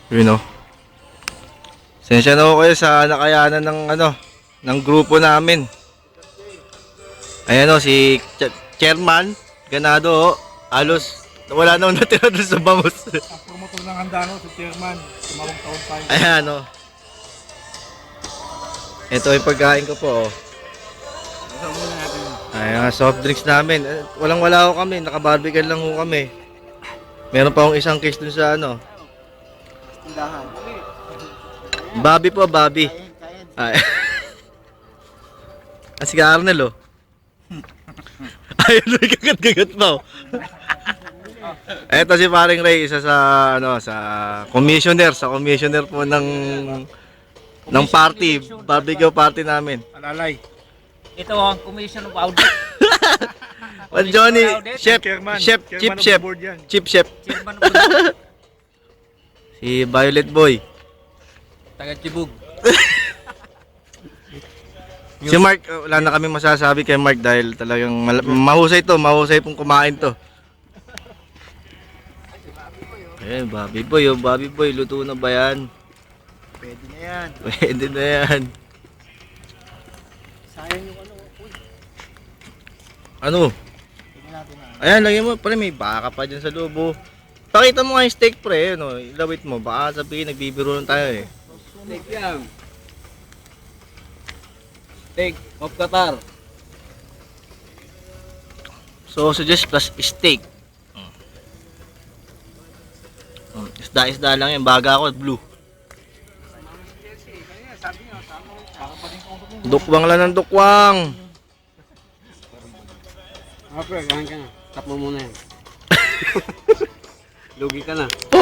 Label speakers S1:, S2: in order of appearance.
S1: Yun o. Sensya na ako kayo sa nakayanan ng ng grupo namin. Ayan o, si Chairman Ganado o. Halos wala na natira doon sa bangus.
S2: Ang promotor ng handa si Chairman. Tumawang taon tayo.
S1: Ayan o. Ito yung pagkain ko po o.
S2: Saan muna natin?
S1: Ayan, soft drinks namin. Walang wala ko kami, nakabarbican lang ko kami. Meron pa akong isang case dun sa
S2: Tindahan.
S1: Bobby po, Bobby. Ay. Si Arnel, oh. Ayun, may kagat-kagat pa, oh. Eto si paring Ray, isa sa, sa commissioner po ng party, barbecue party namin.
S2: Alalay.
S3: Ito ang commission of audit.
S1: Johnny, chef,
S2: Chairman.
S1: chef, chief
S2: Chairman of
S1: chef,
S2: the board yan.
S1: chief chef.
S3: Chairman of audit.
S1: Si Violet Boy.
S3: Taga Tibug.
S1: Si Mark, wala na kami masasabi kay Mark dahil talagang mahusay pong kumain to. Eh, Bobby Boy, luto na ba yan?
S2: Pwede na yan.
S1: Pwede na yan.
S2: Sayang yung
S1: Ano?
S2: Tingnan natin na.
S1: Ayan, lagyan mo, pre, may baka pa dyan sa loob, oh. Pakita mo nga yung steak, pre, ilawit mo, baka sabihin, nagbibiro lang tayo, eh.
S3: Steak yan. Steak of Qatar.
S1: Sausages plus steak. Isda lang yan, baga ako, blue. Dukwang lang ng dukwang.
S3: Okay, kain ka na. Tap mo muna yan. Lugi ka na.